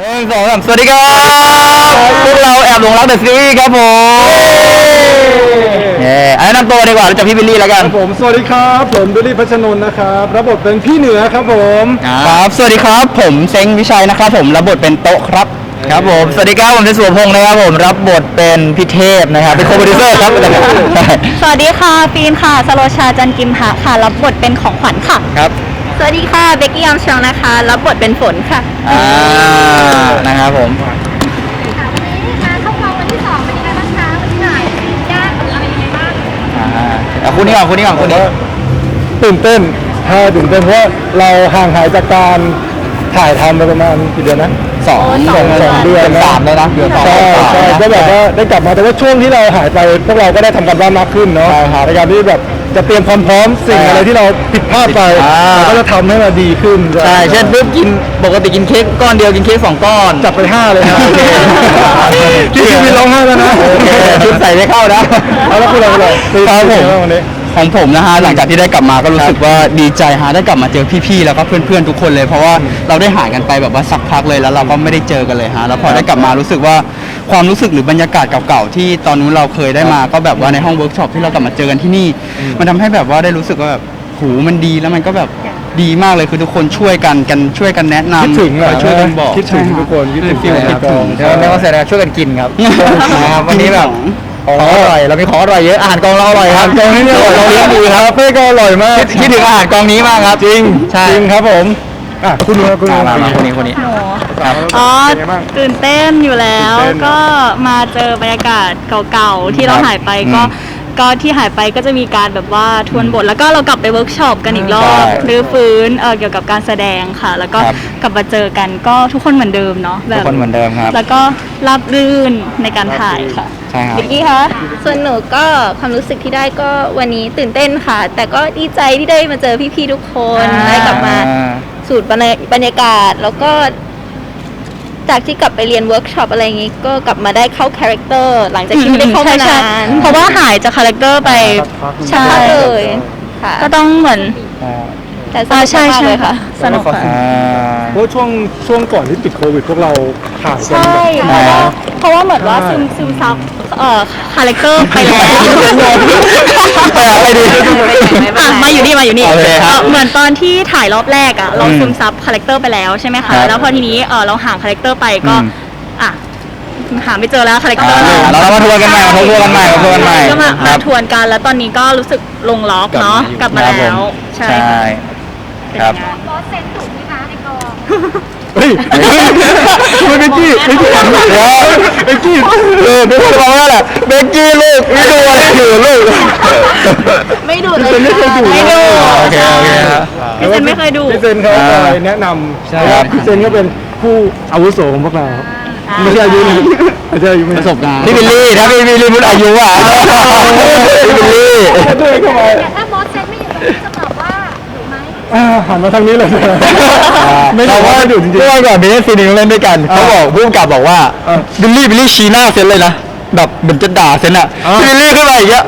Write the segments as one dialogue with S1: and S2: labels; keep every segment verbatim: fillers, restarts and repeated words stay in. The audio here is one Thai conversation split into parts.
S1: หนึ่งสองสามสวัสดีครับพวกเราแอบหลงรักเดอะซีรีส์ครับผมเอ่อแนะนำตัวดีกว่ารู้จักพี่บิลลี่แล้วกัน
S2: ผมสวัสดีครับผมดุลี่พัชนนท์นะครับรับบทเป็นพี่เหนือครับผม
S1: ครับสวัสดีครับผมเซ้งวิชัยนะครับผมรับบทเป็นโต๊ะครับครับผมสวัสดีครับผมเทสุวพงศ์นะครับผมรับบทเป็นพี่เทพนะครับเป็นโคโปรดิวเซอร์ครับ
S3: สวัสดีค่ะฟีนค่ะสโลชาจันกิมหะค่ะรับบทเป็นของขวัญค่ะ
S1: ครับ
S3: สวัสดีค่ะเบกกี้ยามชองนะคะรับบทเป็นฝนค่ะ
S1: อ่านะครับผม
S4: ค่ะวันนี้งานเข้ากองวันที่สองเป็นยังไงบ้างคะวันที่ไหนยากอะไรยังไงบ้าง
S1: อ่าเอาคู่นี้ก่อนคู่นี้ก่อนคู่นี้
S2: ตื่นเต้นถ้าตื่นเต้นเพราะว่าเราห่างหายจากการถ่ายทำไปประมาณกี่เดือนนะ
S1: สอง
S2: สองสองเดือน
S1: สามเลยนะเดือนสอง
S2: ใช่ใช่ก็แบบว่าได้กลับมาแต่ว่าช่วงที่เราหายไปพวกเราก็ได้ทำกันบ้านมากขึ้นเนาะในการที่แบบจะเตรียมความพร้อมสิ่งอะไรที่เราผิดพลาดไปเราก็จะทำให้มันดีขึ้น
S1: ใช่เช่นปุ๊บกินปกติกินเค้กก้อนเดียวกินเค้กสองก้อน
S2: จับไปห้าเลยนะพี่ชีวิตร้องไห้แล้วนะ
S1: ชุดใส่ไม่เข้านะ
S2: เอาแล้วคุณเราเลย
S1: ครับผม
S2: วันนี้
S1: ของผมนะฮะหลังจากที่ได้กลับมาก็รู้สึกว่าดีใจฮะได้กลับมาเจอพี่ๆแล้วก็เพื่อนๆทุกคนเลยเพราะว่าเราได้ห่างกันไปแบบว่าสักพักเลยแล้วเราก็ไม่ได้เจอกันเลยฮะแล้วพอได้กลับมารู้สึกว่าความรู้สึกหรือบรรยากาศเก่าๆที่ตอนนู้นเราเคยได้มาก็แบบว่าในห้องเวิร์กช็อปที่เรากลับมาเจอกันที่นี่มันทำให้แบบว่าได้รู้สึกว่าแบบหูมันดีแล้วมันก็แบบดีมากเลยคือทุกคนช่วยกันกันช่วยกันแนะนำ
S2: คิดถึงอ่ะ
S1: ช่วยกันบอก
S2: คิดถึงทุกคนคิดถึง
S1: คิดถึงไม่ว่าเสร็จแล้วช่วยกันกินครับวันนี้แบบของอร่อยเรามีของอร่อยเยอะอาหารกองเราอร่อยครับ
S2: กองนี้เนี่ย
S1: เราเลี้ยงดีครับ
S2: เป้ก็อร่อยมาก
S1: คิดถึงอาหารกองนี้มากครับ
S2: จริง
S1: ใช่
S2: จริงครับผมอ่ะคุณดูคุณดู
S1: มาคนนี้คนนี้
S3: ครับอ๋อตื่นเต้นอยู่แล้วก็มาเจอบรรยากาศเก่าๆที่เราหายไปก็ก็ที่หายไปก็จะมีการแบบว่าทวนบทแล้วก็เรากลับไปเวิร์กช็อปกันอีกรอบรื้อฟื้นเออเกี่ยวกับการแสดงค่ะแล้วก็กลับมาเจอกันก็ทุกคนเหมือนเดิมเนาะ
S1: แบบทุกคนเหมือนเดิมครับ
S3: แล้วก็ราบรื่นในการถ่ายค่ะ
S1: ใช่ครับ
S3: บิ๊กกี้คะ
S4: ส่วนหนูก็ความรู้สึกที่ได้ก็วันนี้ตื่นเต้นค่ะแต่ก็ดีใจที่ได้มาเจอพี่ๆทุกคนได้กลับมาสูตรบรรยากาศแล้วก็จากที่กลับไปเรียนเวิร์กช็อปอะไรอย่างงี้ก็กลับมาได้เข้าคาแรคเตอร์หลังจากที่ไม่ได้เข้ามานาน
S3: เพราะว่าหายจากคาแรคเตอร์ไป
S4: ใช่เลยค่ะ
S3: ก็ต้องเหมือน
S4: แต่สนุกมากเลยค่ะ
S3: สนุกค่ะ
S2: เพราะช่วงช่วงก่อนที่ติดโควิดพวกเราห่างกัน
S3: ใช่เพราะว่าเหมือนว่าซึมซึมซับเอ่อคาแรคเตอร์ไปแล้ว
S1: ไปดี
S3: มาอยู่นี่มาอยู่นี่เหมือนตอนที่ถ่ายรอบแรกอ่ะเราซึมซับคาแรคเตอร์ไปแล้วใช่ไหมคะแล้วพอทีนี้เออเราห่างคาแรคเตอร์ไปก็อ่ะหาไม่เจอแล้วคาแรคเตอร์
S1: เรามาทวนกันใหม่มาทวนกันใหม่มาทวนกันใหม่
S3: ก็มามาทวนกันแล้วตอนนี้ก็รู้สึกลงล็อกเนาะกลับมาแล้วใช่
S1: ครับ
S4: บอสเซนถูกไหมคะในกอง
S2: เฮ้ยเบกกี้เบกกี้เบกกี้
S1: เออเบกกี้บอกว่าแหละเบกกี้ลูกไม่ดูอะไรอยู่ลูก
S3: ไม่ดูเลยไม่เคยดูไม่ดู
S1: โอเคโอเคครับ
S3: พี่เซนไม่เคยดู
S2: พี่เซนเขาอะไรแนะนำใช่ครับพี่เซนก็เป็นผู้อาวุโสของพวกเราไม่ใช่อายุไม่ใช่อายุ
S1: ประสบการณ์พี่บิลลี่ถ้าพี่บิลลี่พูดอายุอ่ะพี่บิลลี่
S2: ด้วยเข้ามา
S4: ถ้าบอสเซนไม่อยู่ตรงนี้จะตอบว่าถูกไหม
S2: หันมาทางนี้เลย
S1: ไม่เราว่าอยู่จริงๆเมื่อก่อนมีเล่นซีนีเล่นด้วยกันเขาบอกผู้กำกับบอกว่าบิลลี่บิลลี่ชี้หน้าเซนเลยนะแบบเหมือนจะด่าเซนอ่ะบิลลี่ขึ้นมาอีกอ่ะ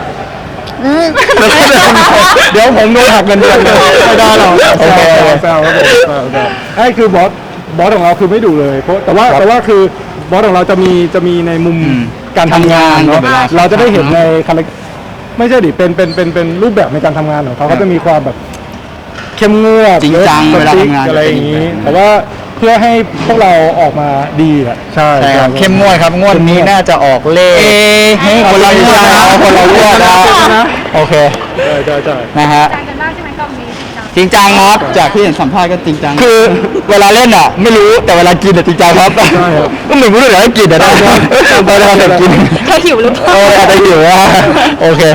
S2: เดี๋ยวผมโดนหักเงินเดือนเลยไม่ได้หรอกแซวแซวครับผมไอ้คือบอสบอสของเราคือไม่ดุเลยเพราะแต่ว่าแต่ว่าคือบอสของเราจะมีจะมีในมุมการทำงานเนาะเราจะได้เห็นในคาแรคไม่ใช่ดิเป็นเป็นเป็นเป็นรูปแบบในการทำงานของเขาเขาจะมีความแบบเข้มงวด
S1: จริงจังเวลาทำงาน
S2: อะไรอย่างนี้แต่ว่าเพื่อให้พวกเราออกมาดีอ่ะใช่
S1: ครับเข้มงวดครับงวดนี้น่าจะออกเลขคนละงวดนะคนละงวดนะโอเค
S2: ใช่ใช่ใช่
S1: นะฮะ
S4: จริงจังกันมากใช่ไหมกองนี้
S1: จริงจังครับจากที่เห็นสัมภาษณ์ก็จริงจังคือเวลาเล่นอ่ะไม่รู้แต่เวลากินอ่ะจริงจังครับก็เหมือนรู้เลยว่ากินอ่ะได้ตอนเรากิน
S3: แค่หิวหรือเปล่า
S1: โอ้อาจจะหิวอ่ะโอเค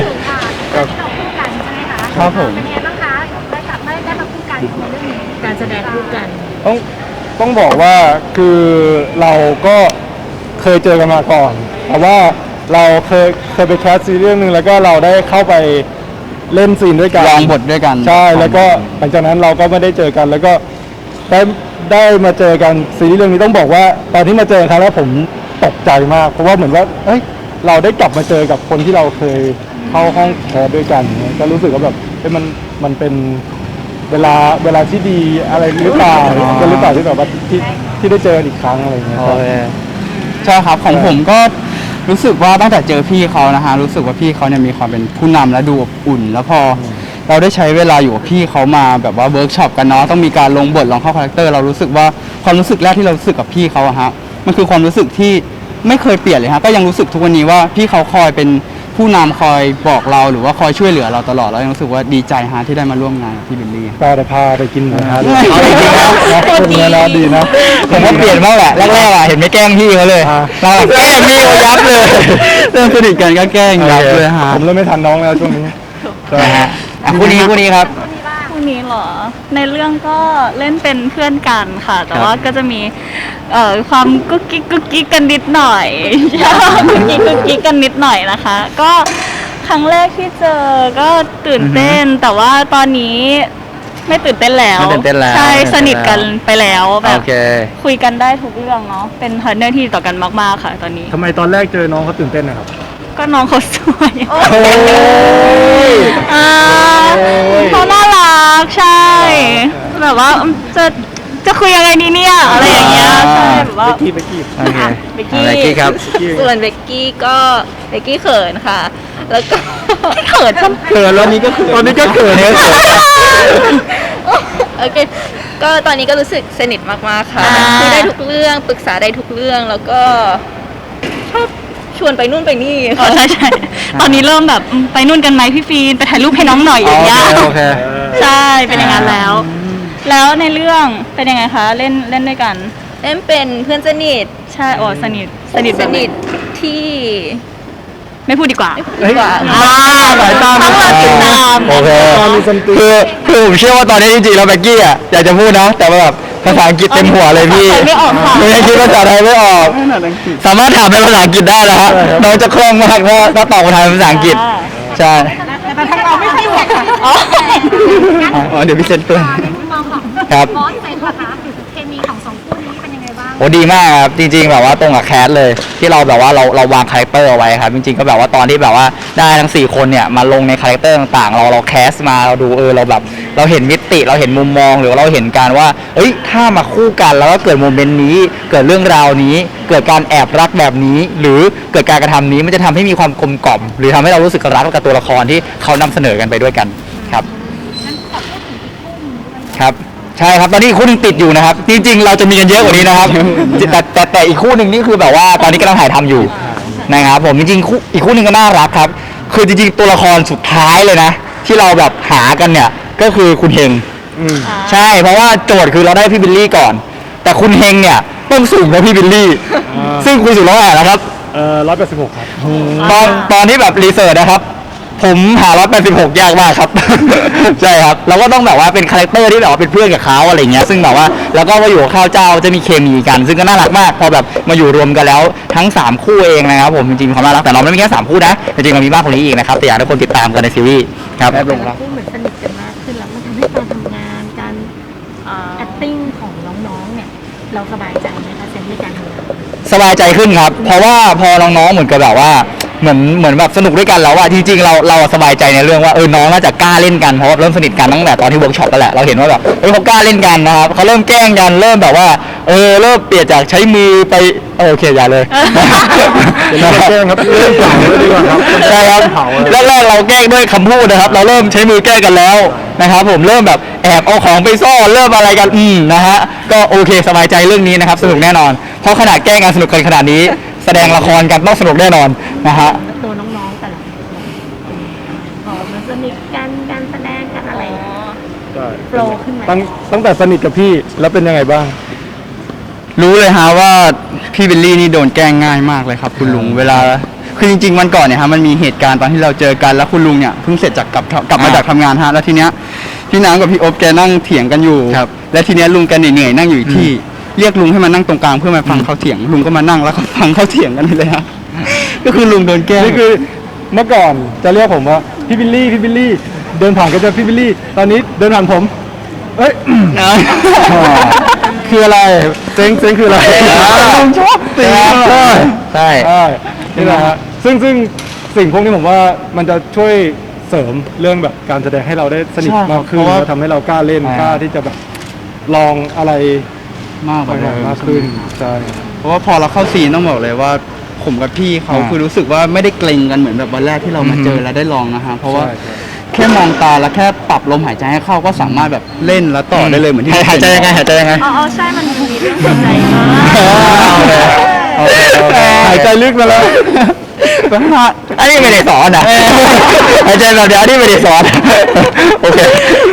S4: ครับผมเป็นไงบ้างคะได้กลับมาได้มาคู่กันในเรื่องนี้การแสดงคู่กัน
S2: ต้องต้องบอกว่าคือเราก็เคยเจอกันมาก่อนแต่ว่าเราเคยเคยไปแคสซีรีส์เรื่องนึงแล้วก็เราได้เข้าไปเล่นซีนด้วยกัน
S1: ลองบทด้วยกัน
S2: ใช่แล้วก็หลังจากนั้นเราก็ไม่ได้เจอกันแล้วก็ได้ได้มาเจอกันซีรีส์เรื่องนี้ต้องบอกว่าตอนที่มาเจอครั้งแรกผมตกใจมากเพราะว่าเหมือนว่าเอ้ยเราได้กลับมาเจอกับคนที่เราเคยเข้าห้องแคสด้วยกันก็รู้สึกว่าแบบเอ้ยมันมันเป็นเวลาเวลาที่ดีอะไรหรือเปล่ากันหรือเปล่าที่แบบว่าที่ที่ได้เจอกันอีกครั้งอะไรอย่างเงี้ย
S1: โอเคใช่ครับของผมก็รู้สึกว่าตั้งแต่เจอพี่เขานะฮะรู้สึกว่าพี่เขาเนี่ยมีความเป็นผู้นำและดูอบอุ่น แล้วพอเราได้ใช้เวลาอยู่กับพี่เขามาแบบว่าเวิร์กช็อปกันเนาะต้องมีการลงบทลองเข้าคาแรคเตอร์เรารู้สึกว่าความรู้สึกแรกที่เรารู้สึกกับพี่เขาอะฮะมันคือความรู้สึกที่ไม่เคยเปลี่ยนเลยฮะก็ยังรู้สึกทุกวันนี้ว่าพี่เขาคอยเป็นผู้นำคอยบอกเราหรือว่าคอยช่วยเหลือเราตลอดแล้วยังรู้สึกว่าดีใจฮะที่ได้มาร่วมงานกับพี่บิลลี่
S2: ก็จะพาไปกินหมูกระทะ
S1: เอาจริงๆนะ
S2: คนเนี้ยนะดีนะ
S1: ผมว่าเปลี่ยนบ้างแหละแรกๆอะเห็นไม่แกล้งพี่เขาเลย
S2: อ่า
S1: เราแกล้งพี่เขายับเลยเริ่มสนิทกันก็แกล้งยับเลยฮะ
S2: ผมเริ่มไม่ทันน้องแล้วช่วงนี้ใช่
S1: นะฮะอ่ะคู่นี้คู่นี้ครับ
S3: คู่นี้เหรอ ในเรื่องก็เล่นเป็นเพื่อนกันค่ะ แต่
S1: ครับ
S3: ว่าก็จะมีเอ่อความกุ๊กกิ๊กกุ๊กกิ๊กกันนิดหน่อย กุ๊กกิ๊กกุ๊กกิ๊กกันนิดหน่อยนะคะ ก็ครั้งแรกที่เจอก็ตื่นเต้น แต่ว่าตอนนี้ไม่ตื่นเต้นแล้ว
S1: ไม่ตื่นเต้นแล้ว
S3: ใช่
S1: ไม่ตื่นเต้น
S3: สนิทกันไปแล้วแบ
S1: โอบ เค
S3: คุยกันได้ทุกเรื่องเนาะเป็นพาร์ทเนอร์ที่ดีต่อกันมากๆค่ะ ตอนนี้
S2: ทำไมตอนแรกเจอน้องเขาตื่นเต้นนะครับ
S3: ก็น้องเขาสวย
S2: โอ้ย
S3: อ่า
S2: โอ้ย
S3: เขาน่ารักใช่ แบบว่าจะจะคุยยังไงดีเนี่ยอะไรอย่างเงี้ยใช่แบบว่า
S2: เบกกี้เบกกี้
S1: โอเค
S4: เบกกี้
S1: อะไรกี้ครับ
S4: ส่วนเบกกี้ก็เบกกี้เขินค่ะ แล้วก็
S3: เขินจน
S2: เขินแล้วนี้ก็ตอนนี้ก็เขินเนี่ย
S4: โอเค ก็ตอนนี้ก็รู้สึกสนิทมากๆค่ะ
S3: อ่า
S4: คุยได้ทุกเรื่องปรึกษาได้ทุกเรื่องแล้วก็ชอบชวนไปนู่นไปนี่
S3: อ๋อ
S4: ค่ะ
S3: ใช่ใช่ตอนนี้เริ่มแบบอืมไปนู่นกันไหมพี่ฟีนไปถ่ายรูปให้น้องหน่อยอย่างเงี้ย
S1: โอเค
S3: ใช่เป็นอย่างนั้นแล้ว แล้วในเรื่องเป็นยังไงคะเล่นเล่นด้วยกัน
S4: เล่นเป็นเพื่อนสนิท
S3: ใช่อ๋อสนิทสนิท
S4: ส
S3: แบบไห
S4: นิทที่
S3: ไม่พูดดีกว่า
S4: ดีกว่า
S3: อ่าสายตาต้องมาติดตาม
S1: โอเค
S2: มีซัมติง
S1: คือคือผมเชื่อว่าตอนนี้จริงๆแล้วแบ็กกี้อ่ะอยากจะพูดนะ แต่ว่าแบบภาษาอังกฤษเต็มหัวเลยพี่
S3: ภาษาไทยไม่ออกค่ะ
S1: ไม่ได้คิดภาษาไทยไม่ออก สามารถถามเป็นภาษาอังกฤษได้นะฮะน้องจะคล่องมากถ้าถ้าตอบคำถามเป็นภาษาอังกฤษ ใช่
S3: แต่ทางเราไม่ใช่แขกค่ะอ๋อ
S1: อ๋อเดี๋ยวพี่เซนเพื่อน
S5: ในมุมมองของ
S1: ครับ
S5: บอสเซนนะคะเคมีของสองคู่นี้เป็นยังไงบ้าง
S1: โอ้ดีมากครับจริงๆแบบว่าตรงกับแคสเลย ที่เราแบบว่าเราเราวางคาแรคเตอร์เอาไว้ครับจริงๆก็แบบว่าตอนที่แบบว่าได้ทั้งสี่คนเนี่ยมาลงในคาแรคเตอร์ต่างๆ เราเราแคสมาเราดูเออเราแบบเราเห็นมิติเราเห็นมุมมองหรือว่าเราเห็นการว่าเอ้ยถ้ามาคู่กันแล้วก็เกิดโมเมนต์นี้ เกิดเรื่องราวนี้ เกิดการแอบรักแบบนี้ หรือเกิดการกระทำนี้มันจะทำให้มีความกลมกล่อมหรือทำให้เรารู้สึกรักกับตัวละครที่เขานำเสนอกันไปด้วยกันครับครับใช่ครับตอนนี้อีกคู่หนึงติดอยู่นะครับ จริงๆ เราจะมีกันเยอะกว่านี้นะครับ แต่แต่แต่อีกคู่หนึ่งนี่คือแบบว่าตอนนี้กำลังถ่ายทำอยู่นะครับผมจริงๆคู่อีกคู่หนึ่งก็น่ารักครับ คือจริงๆตัวละครสุดท้ายเลยนะ ที่เราแบบหากันเนี่ยก็คือคุณเฮง
S2: อืม
S1: ใช่เพราะว่าโจทย์คือเราได้พี่บิลลี่ก่อน แต่คุณเฮงเนี่ยต้องสูงกว่าพี่บิลลี่
S2: อ่า
S1: ซึ่งคุณสูงร้อยแปดแล้วครับ
S2: เอ่อร้อยแปดสิบหกครับ
S1: ตอนตอนที่แบบรีเสิร์ชนะครับ ผมหาร้อยแปดสิบหกยากมากครับ ใช่ครับ เราก็ต้องแบบว่าเป็นคาแรคเตอร์ที่แบบว่าเป็นเพื่อนกับเขาอะไรเงี้ยซึ่งแบบว่าแล้วก็มาอยู่กับข้าวเจ้าจะมีเคมีกัน ซึ่งก็น่ารักมาก พอแบบมาอยู่รวมกันแล้วทั้งสามคู่เองนะครับผมจริงๆมีความน่ารักแต่เราไม่ได้มีแค่สามคู่นะจริงๆเรามีมากกว่านี้อีกนะครับแต่อยากให้ทุกคนติดตามกันในซีรีส์ครับ
S5: คู่เหมือนสนิทกันมากขึ้นแล้วมันทำให้การทำงานการ
S3: อ่า
S5: acting ของน้องๆเนี่ยเราสบายใจไหมคะเซนในการทำงาน
S1: สบายใจขึ้นครับ เพราะว่าพอน้องๆเหมือนกับแบบว่าเหมือนเหมือนแบบสนุกด้วยกันแล้วอะจริงๆเราเราสบายใจในเรื่องว่าเออน้องน่าจะกล้าเล่นกันเพราะว่าเริ่มสนิทกันตั้งแต่ตอนที่เวิร์กช็อปแล้วแหละเราเห็นว่าแบบเออเขากล้าเล่นกันนะครับเขาเริ่มแกล้งกันเริ่มแบบว่าเออเริ่มเปลี่ยนจากใช้มือไปเออโอเคอย่าเลย
S2: เป็นเรื่องแกล้งครับเรื่องเก่าเลยดีกว่าครับ
S1: ใช่ครับ
S2: เผาเลย
S1: แรกๆเราแกล้งด้วยคำพูดนะครับ เราเริ่มใช้มือแกล้งกันแล้วนะครับผมเริ่มแบบแอบเอาของไปซ่อนเริ่มอะไรกันอืมนะฮะก็โอเคสบายใจเรื่องนี้นะครับสนุกแน่นอนเพราะขนาดแกล้งกันสนุกกันขนาดนี้ แสดงละครกันต้องสนุกแน่นอนนะฮะ
S5: ตัวน้องๆแต่ละคนพอมันสนิทกันการแสดงกันอะไรอย่างเงี้ย
S2: ใช่
S5: โปรขึ้นไหม
S2: ตั้งตั้งแต่สนิทกับพี่แล้วเป็นยังไงบ้าง
S1: รู้เลยฮะว่าพี่บิลลี่นี่โดนแกล้งง่ายมากเลยครับคุณลุงเวลาคือจริงๆวันก่อนเนี่ยฮะมันมีเหตุการณ์ตอนที่เราเจอกันแล้วคุณลุงเนี่ยเพิ่งเสร็จจากกลับกลับมาจากทำงานฮะแล้วทีเนี้ยพี่น้ำกับพี่โอ๊บแกนั่งเถียงกันอยู่และทีเนี้ยลุงแกเหนื่อยๆนั่งอยู่อีกที่เรียกลุงให้มานั่งตรงกลางเพื่อมาฟังเขาเถียงลุงก็มานั่งแล้วก็ฟังเขาเถียงกันเลยฮะก็คือลุงโดนแกล้ง
S2: นี่คือเมื่อก่อนจะเรียกผมว่าพี่บิลลี่พี่บิลลี่เดินผ่านก็จะพี่บิลลี่ตอนนี้เดินผ่านผมเอ้ย
S1: นะ
S2: คืออะไรเซ็งเซ็งคืออะไร
S1: ลุงชอบตี
S2: ใช่
S1: ใช่
S2: ใช่นี่แหละฮะซึ่งซึ่งสิ่งพวกนี้ผมว่ามันจะช่วยเสริมเรื่องแบบการแสดงให้เราได้สนิท
S1: ใช่ครับ
S2: มากขึ้น
S1: เพราะว่า
S2: แล้วทำให้เรากล้าเล่น
S1: ใช่
S2: กล้าที่จะแบบลองอะไร
S1: มากกว่าเดิม
S2: มากขึ้นใช่
S1: เพราะว่าพอเราเข้าซีนต้องบอกเลยว่าผมกับพี่เขา
S2: อ่า
S1: คือรู้สึกว่าไม่ได้เกรงกันเหมือนแบบวันแรกที่เรามาเจอแล้วได้ลองนะฮะเพราะว่า
S2: ใช่ใช่
S1: แค่มองตาแล้วแค่ปรับลมหายใจให้เข้าก็สามารถแบบเล่นแล้วต่อได้เลยเหมือนที่
S6: หายใจยังไงหายใจยังไง
S3: อ๋ออ๋อใช่มันมีเรื่องหัวใจมาก
S6: โอเคโอเค
S2: หายใจลึกมาแล้ว
S6: อันนี้ไม่ได้สอนนะหายใจแบบเดียวอันนี้ไม่ได้สอนโอเค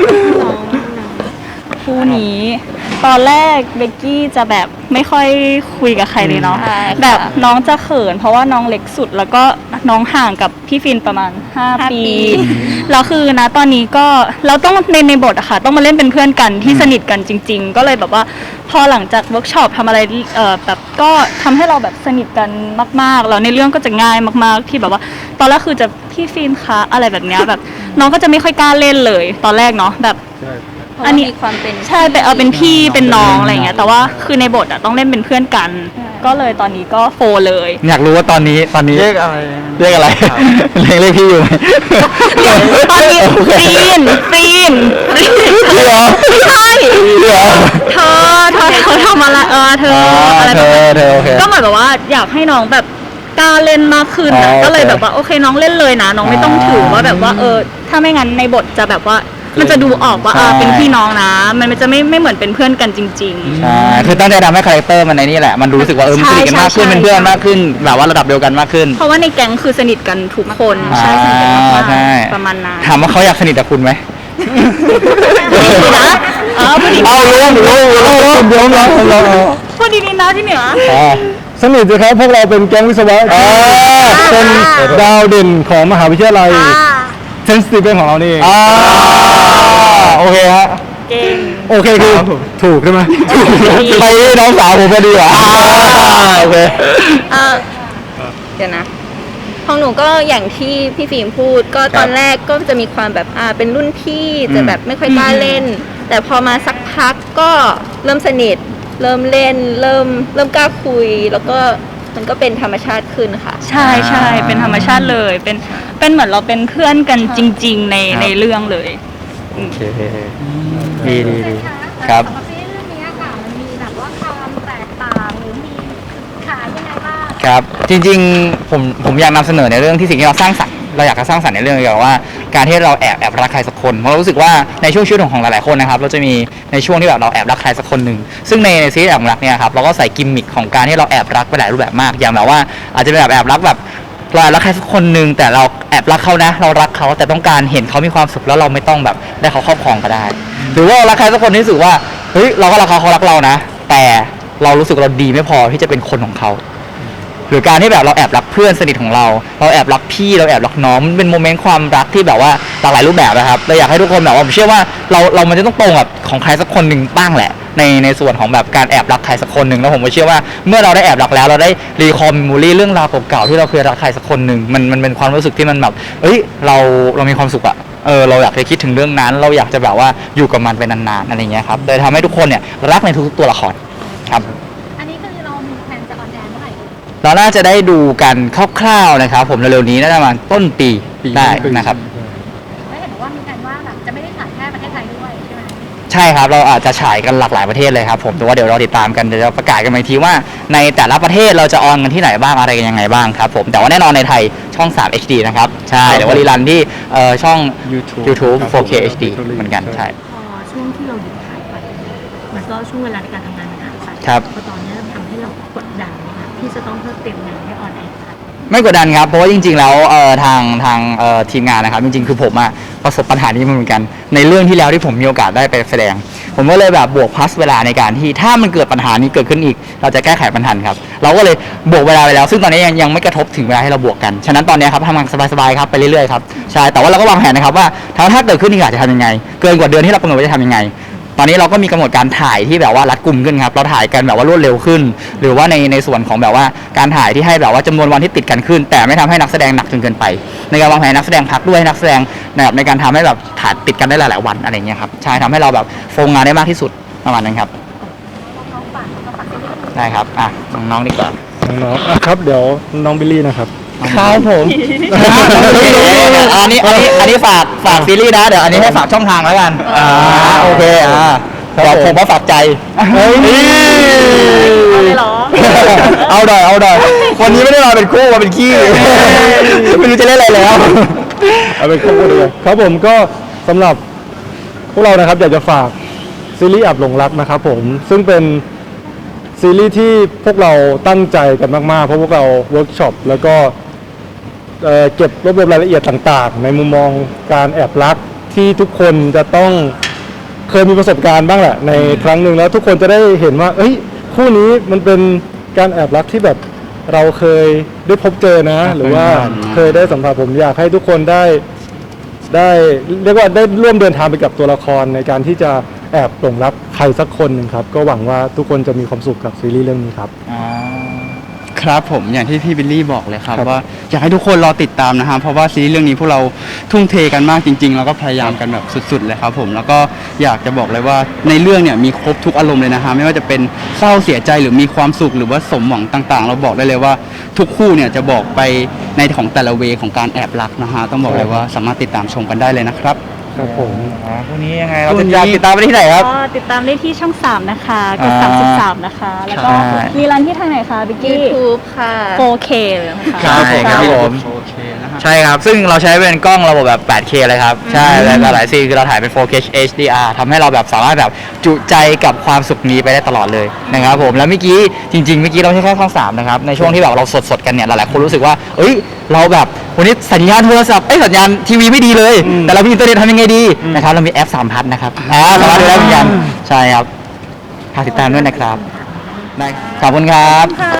S3: คู่นี้ ตอนแรกเบกกี้จะแบบไม่ค่อยคุยกับใครเลยเนาะ
S4: ใช่ค่ะ
S3: แบบน้องจะเขิน เพราะว่าน้องเล็กสุดแล้วก็น้องห่างกับพี่ฟินประมาณ
S4: ห้า
S3: 5
S4: ปี
S3: ปีแล้วคือนะตอนนี้ก็เราต้องในในบทอะค่ะต้องมาเล่นเป็นเพื่อนกันที่สนิทกันจริง ๆ ก็เลยแบบว่าพอหลังจากเวิร์กช็อปทำอะไรเอ่อแบบก็ทำให้เราแบบสนิทกันมากๆแล้วในเรื่องก็จะง่ายมากๆที่แบบว่า ตอนแรกคือจะพี่ฟินคะอะไรแบบเนี้ยแบบน้องก็จะไม่ค่อยกล้าเล่นเลย ตอนแรกเนาะแบบ
S2: ใช่
S4: เพราะ
S3: อั
S4: ว่าน
S3: นี้
S4: มีความเป็น
S3: ใช่แต่เอาเป็นพี่เป็นน้องอะไรอย่างเงี้ยแต่ว่าคือในบทอะต้องเล่นเป็นเพื่อนกัน ก็เลยตอนนี้ก็โฟเลย
S6: อยากรู้ว่าตอนนี้ตอนนี้
S1: เรียกอะไร
S6: เรียกอะไรเรียกเรียกพี่อยู่ไหม
S3: ตอนนี้
S6: โอเค
S3: ฟีนฟีนฟีน
S6: พี่เหรอ
S3: ใช่
S6: พี่เหรอ
S3: เธอเธอเธอทำอะไรเออเธอ
S6: อ๋อ
S3: อะไร
S6: เธ
S3: แบบ
S6: อ
S3: นั้น
S6: เธอโอเค
S3: ก็เหมือนแบบว่าอยากให้น้องแบบกล้าเล่นมากขึ้น
S6: อ๋
S3: อะ
S6: อ
S3: ก็เลย
S6: โอเค
S3: แบบว่าโอเคน้องเล่นเลยนะ น้องไม่ต้องถือว่าแบบว่าเออถ้าไม่งั้นในบทจะแบบว่ามันจะดูออกว่าอ่าเป็นพี่น้องนะ มันจะไม่ไม่เหมือนเป็นเพื่อนกันจริง ๆ
S6: ใช่คือตั้งใจทำให้คาแรคเตอร์มันในนี่แหละมันรู้สึกว่าเออมันสนิทกันมากขึ้น
S3: ใช่ใช่
S6: เป็นเพื่อนมากขึ้นแบบว่าระดับเดียวกันมากขึ้น
S3: เพราะว่าในแก๊งคือสนิทกันทุกคนใช่สนิทกันมาก
S6: อ่าใช่
S3: ๆประมาณนั้น
S6: ถามว่าเขาอยากสนิทกับคุณไหม
S3: ดีนะเออพูดดี
S6: เอารู้รู้รู้รู้
S2: เดี๋ยวเราเรา
S3: พูดดีๆนะที่เหนือ
S6: อ๋อ
S2: สนิทสิครับพวกเราเป็นแก๊งวิศวะ
S6: อ่า
S2: เป็นดาวเด่นของมหาวิทยาลัยเซนซิทีฟเป็นของเรานี่เอง
S6: อ่าโอเคฮะ
S3: เก่ง
S2: โอเคคือถูกใช่ไหม
S6: ไปน้องสาวผมพอดีว่ะโอเค
S4: เอ่อเดี๋ยวนะ ของหนูก็อย่างที่พี่ฟิล์มพูด ก็ตอนแรกก็จะมีความแบบอ่าเป็นรุ่นพี่จะแบบไม่ค่อยกล้าเล่น แต่พอมาสักพักก็เริ่มสนิท เริ่มเล่น เริ่มเริ่มกล้าคุย แล้วก็มันก็เป็นธรรมชาติขึ้นค่ะ
S3: ใช่ใช่เป็นธรรมชาติเลยเป็นเป็นเหมือนเราเป็นเพื่อนกันจริง ๆ ในในเรื่องเลย
S6: โอเคดีดีดีครับ
S5: สำหรับซีรีส์เรื่องนี้ค่ะมันมีแบบว่าความแตกต่างหรือมีขายยังไงบ้าง
S6: ครับจริงๆผมผมอยากนำเสนอในเรื่องที่สิ่งที่เราสร้างสรรค์เราอยากจะสร้างสรรค์ในเรื่องเกี่ยวกับว่าการที่เราแอบแอบรักใครสักคนเพราะเรารู้สึกว่าในช่วงชีวิตของหลายๆคนนะครับเราจะมีในช่วงที่แบบเราแอบรักใครสักคนหนึ่งซึ่งในซีรีส์แอบรักเนี่ยครับเราก็ใส่กิมมิคของการที่เราแอบรักไปหลายรูปแบบมากอย่างแบบว่าอาจจะเป็นแบบแอบรักแบบเราแอบรักใครสักคนหนึ่งแต่เราแอบรักเขานะ เรารักเขาแต่ต้องการเห็นเขามีความสุขแล้วเราไม่ต้องแบบได้เขาครอบครองก็ได้ หรือว่าเรารักใครสักคนที่รู้สึกว่าเฮ้ยเราก็รักเขาเขารักเรานะ แต่เรารู้สึกเราดีไม่พอที่จะเป็นคนของเขา หรือการที่แบบเราแอบรักเพื่อนสนิทของเรา เราแอบรักพี่เราแอบรักน้องมันเป็นโมเมนต์ความรักที่แบบว่าหลากหลายรูปแบบนะครับเราอยากให้ทุกคนแบบว่าผมเชื่อว่าเราเรามันจะต้องตรงกับของใครสักคนหนึ่งบ้างแหละ ในในส่วนของแบบการแอบรักใครสักคนหนึ่งแล้วผมก็เชื่อว่าเมื่อเราได้แอบรักแล้วเราได้รีคอมมูรี่เรื่องราวเก่าๆที่เราเคยรักใครสักคนหนึ่งมันมันเป็นความรู้สึกที่มันแบบเอ้ยเราเรามีความสุขอะเออเราอยากจะคิดถึงเรื่องนั้น เราอยากจะแบบว่าอยู่กับมันไปนานๆอะไรเงี้ยครับเลยทำให้ทุกคนเนี่ยรักในทุกๆตัวละครครับ
S5: อันนี้คือเรามีแผนจะออนแอร์เมื่อไหร่
S6: เราน่าจะได้ดูกันคร่าวๆนะครับผมเร็วๆนี้น่าจะประมาณต้นปีได้นะครับ
S5: ไม่เห็นบอกว่ามีแผนว่าแบบจะไม่ได้ถ่ายแค่ประเทศไทยด้วยใช่ไหม
S6: ใช่ครับเราอาจจะฉายกันหลากหลายประเทศเลยครับผมแต่ว่าเดี๋ยวเราติดตามกันเดี๋ยวเราประกาศกันอีกทีว่าในแต่ละประเทศเราจะออนกันที่ไหนบ้างอะไรกันยังไงบ้างครับผมแต่ว่าแน่นอนในไทยช่อง ทรี เอช ดี นะครับใช่เดี๋ยวว่ารีรันที่เอ่อช่อง
S2: YouTube
S6: YouTube
S2: ครับ
S6: โฟร์เค เอช ดี เหมือนกันใช่
S5: พอช่วงที่เราหยุดถ่ายไปมันก็ช่วงเวลาในการทำงานมันหายไป
S6: ครับ
S5: พอตอนนี้ทำให้เรากดดันนะคะที่จะต้องเพิ่มเต็มงานให้ออนแอร์ค่ะ
S6: ไม่กดดันครับเพราะว่าจริงๆแล้วเอ่อทางทางเอ่อทีมงานนะครับจริงๆคือผมอะประสบปัญหานี้มาเหมือนกันในเรื่องที่แล้วที่ผมมีโอกาสได้ไปแสดง ผมก็เลยแบบบวกพลัสเวลาในการที่ถ้ามันเกิดปัญหานี้เกิดขึ้นอีก เราจะแก้ไขปัญหาครับเราก็เลยบวกเวลาไปแล้ว ซึ่งตอนนี้ยังยังไม่กระทบถึงเวลาให้เราบวกกันฉะนั้นตอนนี้ครับทำงานสบายๆครับไปเรื่อยๆครับใช่แต่ว่าเราก็วางแผนนะครับว่าถ้าถ้าเกิดขึ้นอีกอาจจะทำยังไง เกินกว่าเดือนที่เรากำหนดไว้จะทำยังไง ตอนนี้เราก็มีกำหนดการถ่ายที่แบบว่ารัดกุมขึ้นครับเราถ่ายกันแบบว่ารวดเร็วขึ้น หรือว่าในในส่วนของแบบว่าการถ่ายที่ให้แบบว่าจำนวนวันที่ติดกันขึ้น แต่ไม่ทำให้นักแสดงหนักจนเกินไป ในการวางแผนนักแสดงพักด้วยให้นักแสดงแบบในการทำให้แบบถ่ายติดกันได้หลายๆวันอะไรเงี้ยครับใช่ทำให้เราแบบโฟงงานได้มากที่สุดประมาณนั้นครับได้ครับอ่ะน้องๆดีกว่า
S2: น้องๆอ่ะครับเดี๋ยวน้องบิลลี่นะครับ
S6: ครับผมอันนี้อันนี้อันนี้ฝากฝากซีรีส์นะเดี๋ยวอันนี้ให้ฝากช่องทางแล้วกันอ่าโอเคอ่าเดี๋ยวผมมาฝากใจ
S2: เฮ้ย
S3: เอาเลยเหรอ
S6: เอาหน่อยเอาหน่อยวันนี้ไม่ได้มาเป็นคู่มาเป็นขี้ไม่รู้จะเล่นอะไรแล้ว
S2: เอาเป็นข้อมูลเลยครับผมก็สำหรับพวกเรานะครับอยากจะฝากซีรีส์แอบหลงรักนะครับผมซึ่งเป็นซีรีส์ที่พวกเราตั้งใจกันมากๆเพราะพวกเราเวิร์กช็อปแล้วก็เอ่อเก็บรวบรวมรายละเอียดต่างๆ ในมุมมองการแอบรักที่ทุกคนจะต้องเคยมีประสบการณ์บ้างแหละในครั้งหนึ่งแล้วทุกคนจะได้เห็นว่าเอ้ยคู่นี้มันเป็นการแอบรักที่แบบเราเคยได้พบเจอนะ หรือว่าเคยได้สัมผัสผมอยากให้ทุกคนได้ได้เรียกว่าได้ร่วมเดินทางไปกับตัวละครในการที่จะแอบหลงรักใครสักคนหนึ่งครับก็หวังว่าทุกคนจะมีความสุขกับซีรีส์เรื่องนี้ครับ
S1: ครับผมอย่างที่พี่บิลลี่บอกเลยครับ
S2: ครับ
S1: ว่าอยากให้ทุกคนรอติดตามนะฮะเพราะว่าซีรีส์เรื่องนี้พวกเราทุ่มเทกันมากจริงๆแล้วก็พยายามกันแบบสุดๆเลยครับผมแล้วก็อยากจะบอกเลยว่าในเรื่องเนี่ยมีครบทุกอารมณ์เลยนะฮะไม่ว่าจะเป็นเศร้าเสียใจหรือมีความสุขหรือว่าสมหวังต่างๆ เราบอกได้เลยว่าทุกคู่เนี่ยจะบอกไปในของแต่ละเวของการแอบรักนะฮะต้องบอกเลยว่าสามารถติดตามชมกันได้เลยนะครับ
S2: ครับผม
S6: พรุ่งนี้ยังไงเราจะอยากติดตามไปที่ไหนครับ
S3: ก็ติดตามได้ที่ช่องสามนะคะกด
S6: อ่า
S3: สามสิบสามนะคะ แล้วก็
S6: ใช่
S3: มีรันที่ทางไหนคะบิ๊กกี้
S4: YouTube ค่ะ
S3: โฟร์เค เลยนะคะ
S6: ใช่ครับผม
S1: โอเคนะฮะ
S6: ใช่ครับ ซึ่งเราใช้เป็นกล้องระบบแบบ แปดเค เลยครับ ใช่และหลายๆซีนคือเราถ่ายเป็น โฟร์เค เอช ดี อาร์ ทำให้เราแบบสามารถแบบจุใจกับความสุขนี้ไปได้ตลอดเลยนะครับผม แล้วเมื่อกี้จริงๆ เมื่อกี้เราไม่ใช่แค่ช่องสามนะครับ ในช่วงที่แบบเราสดๆ กันเนี่ย หลายๆ คนรู้สึกว่า เอ้ย เราแบบวันนี้สัญญาณโทรศัพท์ เอ้ย สัญญาณทีวีไม่ดีเลย แต่เรามีอินเทอร์เน็ตทำยังไงดีนะครับ เรามีแอปสามพัทนะครับ อ่าสามารถดูได้เหมือนกัน ใช่ครับฝากติดตามด้วยนะครับ ได้ ขอบคุณครับ